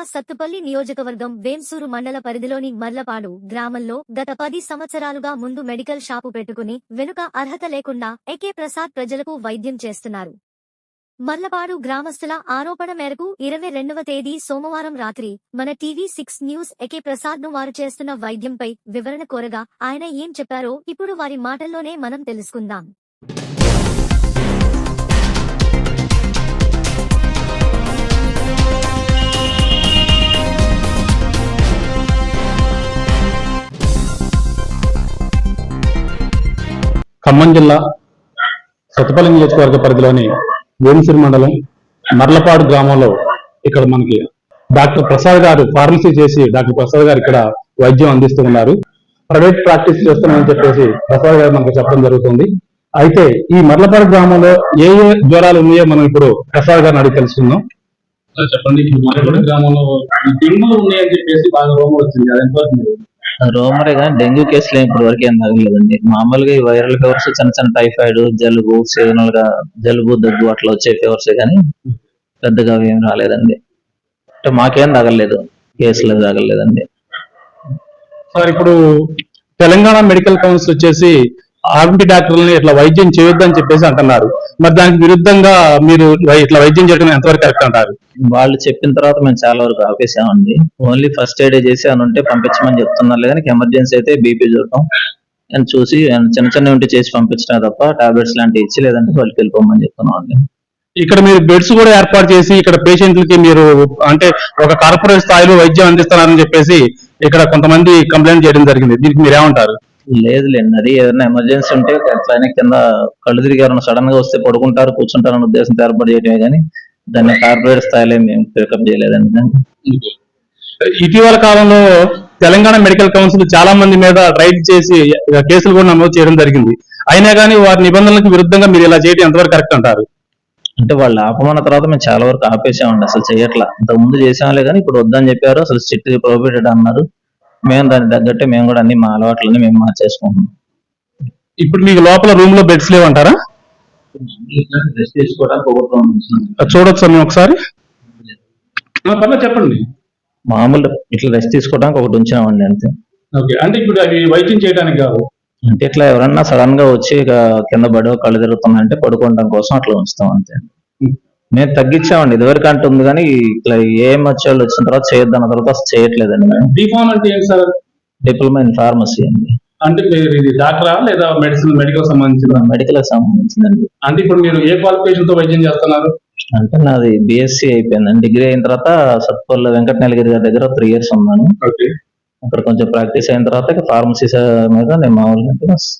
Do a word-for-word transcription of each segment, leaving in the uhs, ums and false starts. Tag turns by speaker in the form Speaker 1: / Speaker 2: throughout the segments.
Speaker 1: సత్తుపల్లి నియోజకవర్గం వేంసూరు మండల పరిధిలోని మర్లపాడు గ్రామంలో గత పది సంవత్సరాలుగా ముందు మెడికల్ షాపు పెట్టుకుని వెనుక అర్హత లేకుండా ఎకే ప్రసాద్ ప్రజలకు వైద్యం చేస్తున్నారు. మర్లపాడు గ్రామస్తుల ఆరోపణ మేరకు ఇరవై రెండవ తేదీ సోమవారం రాత్రి మన TV six news AK Prasad ను వారు చేస్తున్న వైద్యంపై వివరణ కోరగా ఆయన ఏం చెప్పారో ఇప్పుడు వారి మాటల్లోనే మనం తెలుసుకుందాం.
Speaker 2: ఖమ్మం జిల్లా సత్తుపల్లి నియోజకవర్గ పరిధిలోని వేంసూరు మండలం మర్లపాడు గ్రామంలో ఇక్కడ మనకి డాక్టర్ ప్రసాద్ గారు ఫార్మసీ చేసి డాక్టర్ ప్రసాద్ గారు ఇక్కడ వైద్యం అందిస్తూ ఉన్నారు. ప్రైవేట్ ప్రాక్టీస్ చేస్తున్నామని చెప్పేసి ప్రసాద్ గారు మనకు చెప్పడం జరుగుతుంది. అయితే ఈ మర్లపాడు గ్రామంలో ఏ ఏ జ్వరాలు ఉన్నాయో మనం ఇప్పుడు ప్రసాద్ గారిని అడిగి తెలుసుకుందాం. చెప్పండి, మర్లపాడు గ్రామంలో డెంగ్యూ ఉన్నాయని చెప్పేసి బాగా రోమర్ వచ్చింది, అది ఎంత
Speaker 3: రోమరే కానీ డెంగ్యూ కేసులు ఇప్పటి వరకు ఏం తగలేదండి. మామూలుగా ఈ వైరల్ ఫీవర్స్, చిన్న చిన్న టైఫాయిడ్, జలుబు, సీజనల్ గా జలుబు, దగ్గు అట్లా వచ్చే ఫీవర్స్ కానీ పెద్దగా ఏం రాలేదండి. అంటే మాకేం తగలేదు, కేసులు తగలేదండి.
Speaker 2: సార్, ఇప్పుడు తెలంగాణ మెడికల్ కౌన్సిల్ వచ్చేసి ఆర్ఎంపీ డాక్టర్లని ఇట్లా వైద్యం చేయొద్దని చెప్పేసి అంటున్నారు. మరి దానికి విరుద్ధంగా మీరు ఇట్లా వైద్యం చేయడం ఎంతవరకు కరెక్ట్ అంటారు?
Speaker 3: వాళ్ళు చెప్పిన తర్వాత మేము చాలా వరకు ఆపేసామండి. ఓన్లీ ఫస్ట్ ఎయిడ్ చేసి అని ఉంటే పంపించమని చెప్తున్నారు, కానీ ఎమర్జెన్సీ అయితే బీపీ చూడటం అని చూసి చిన్న చిన్న ఉంటే చేసి పంపించడం తప్ప టాబ్లెట్స్ లాంటివి ఇచ్చి లేదంటే వాళ్ళకి వెళ్ళిపోమని చెప్తున్నాం అండి. ఇక్కడ
Speaker 2: మీరు బెడ్స్ కూడా ఏర్పాటు చేసి ఇక్కడ పేషెంట్లకి మీరు అంటే ఒక కార్పొరేట్ స్థాయిలో వైద్యం అందిస్తున్నారని చెప్పేసి ఇక్కడ కొంతమంది కంప్లైంట్ చేయడం జరిగింది. దీనికి మీరు ఏమంటారు?
Speaker 3: లేదు లేండి, అది ఏదైనా ఎమర్జెన్సీ ఉంటే ఎట్లయినా కింద కళ్ళు తిరిగి ఎవరైనా సడన్ గా వస్తే పడుకుంటారు, కూర్చుంటారు అనే ఉద్దేశంతో ఏర్పాటు చేయడమే కానీ దాన్ని కార్పొరేట్ స్థాయిలో మేము పికప్ చేయలేదండి.
Speaker 2: ఇటీవల కాలంలో తెలంగాణ మెడికల్ కౌన్సిల్ చాలా మంది మీద రైడ్ చేసి కేసులు కూడా నమోదు చేయడం జరిగింది. అయినా కానీ వారి నిబంధనలకు విరుద్ధంగా మీరు ఇలా చేయడం ఎంతవరకు కరెక్ట్ అంటారు?
Speaker 3: అంటే వాళ్ళు ఆపమన్న తర్వాత మేము చాలా వరకు ఆపేసామండి, అసలు చేయట్లా. ఇంతకు ముందు చేసాంలే కానీ ఇప్పుడు వద్దని చెప్పారు, అసలు స్ట్రిక్ట్ ప్రొహిబిటెడ్ అన్నారు. మేము దానికి తగ్గట్టే మేము కూడా అన్ని మా అలవాట్లని మేము మార్చేసుకుంటున్నాం.
Speaker 2: ఇప్పుడు మీకు లోపల రూమ్ లో బెడ్స్ లేవంటారా?
Speaker 3: రెస్ట్ తీసుకోవడానికి
Speaker 2: చూడొచ్చు సార్ మేము ఒకసారి, చెప్పండి.
Speaker 3: మామూలు ఇట్లా రెస్ట్ తీసుకోవడానికి ఒకటి ఉంచామండి అంతే.
Speaker 2: అంటే ఇప్పుడు అవి వైద్యం చేయడానికి కాదు,
Speaker 3: అంటే ఇట్లా ఎవరన్నా సడన్ గా వచ్చి కింద పడో కళ్ళు తిరుగుతున్నాయంటే పడుకోవడం కోసం అట్లా ఉంచుతాం అంతే. మేము తగ్గించామండి, ఇదివరకు అంటే ఉంది కానీ ఇట్లా ఏం వచ్చేవాళ్ళు వచ్చిన తర్వాత చేయొద్దన్న తర్వాత అసలు చేయట్లేదండి. మేము
Speaker 2: డిఫార్మ్ అంటే ఏంటి సార్?
Speaker 3: డిప్లొమా ఇన్ ఫార్మసీ అండి.
Speaker 2: అంటే ఇది డాక్టరా లేదా మెడిసిన్ మెడికల్ సంబంధించిన?
Speaker 3: మెడికల్ సంబంధించిందండి.
Speaker 2: అంటే ఇప్పుడు మీరు ఏ క్వాలిఫికేషన్ తో వైద్యం చేస్తున్నారు?
Speaker 3: అంటే నాది బిఎస్సీ అయిపోయిందండి. డిగ్రీ అయిన తర్వాత సత్తుపల్లి వెంకట నీలగిరి గారి దగ్గర త్రీ ఇయర్స్ ఉన్నాను. అక్కడ కొంచెం ప్రాక్టీస్ అయిన తర్వాత ఫార్మసీ మీద నేను మామూలుగా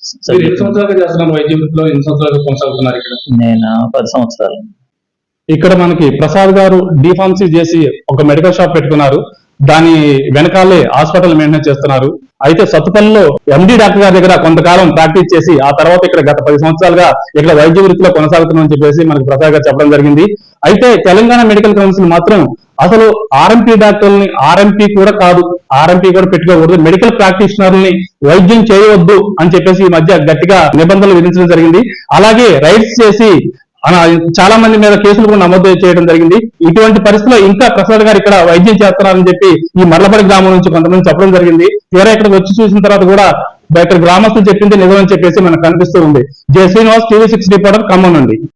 Speaker 3: నేను పది సంవత్సరాలు.
Speaker 2: ఇక్కడ మనకి ప్రసాద్ గారు డిఫార్మసీ చేసి ఒక మెడికల్ షాప్ పెట్టుకున్నారు, దాని వెనకాలే హాస్పిటల్ మెయింటైన్ చేస్తున్నారు. అయితే సత్తుపల్లిలో ఎండి డాక్టర్ గారి దగ్గర కొంతకాలం ప్రాక్టీస్ చేసి ఆ తర్వాత ఇక్కడ గత పది సంవత్సరాలుగా ఇక్కడ వైద్య వృత్తిలో కొనసాగుతున్నామని చెప్పేసి మనకి ప్రసాద్ గారు చెప్పడం జరిగింది. అయితే తెలంగాణ మెడికల్ కౌన్సిల్ మాత్రం అసలు ఆర్ఎంపీ డాక్టర్ని ఆర్ఎంపీ కూడా కాదు, ఆర్ఎంపీ కూడా పెట్టుకోకూడదు, మెడికల్ ప్రాక్టీషనర్ని వైద్యం చేయవద్దు అని చెప్పేసి ఈ మధ్య గట్టిగా నిబంధనలు విధించడం జరిగింది. అలాగే రైట్స్ చేసి చాలా మంది మీద కేసులు కూడా నమోదు చేయడం జరిగింది. ఇటువంటి పరిస్థితిలో ఇంకా ప్రసాద్ గారు ఇక్కడ వైద్యం చేస్తున్నారని చెప్పి ఈ మర్లపడి గ్రామం నుంచి కొంతమంది చెప్పడం జరిగింది. తీరా ఇక్కడికి వచ్చి చూసిన తర్వాత కూడా ఇక్కడ గ్రామస్తులు చెప్పింది నిజమని చెప్పేసి మనకు కనిపిస్తూ ఉంది. J Srinivas, TV six reporter, Khammam నుండి.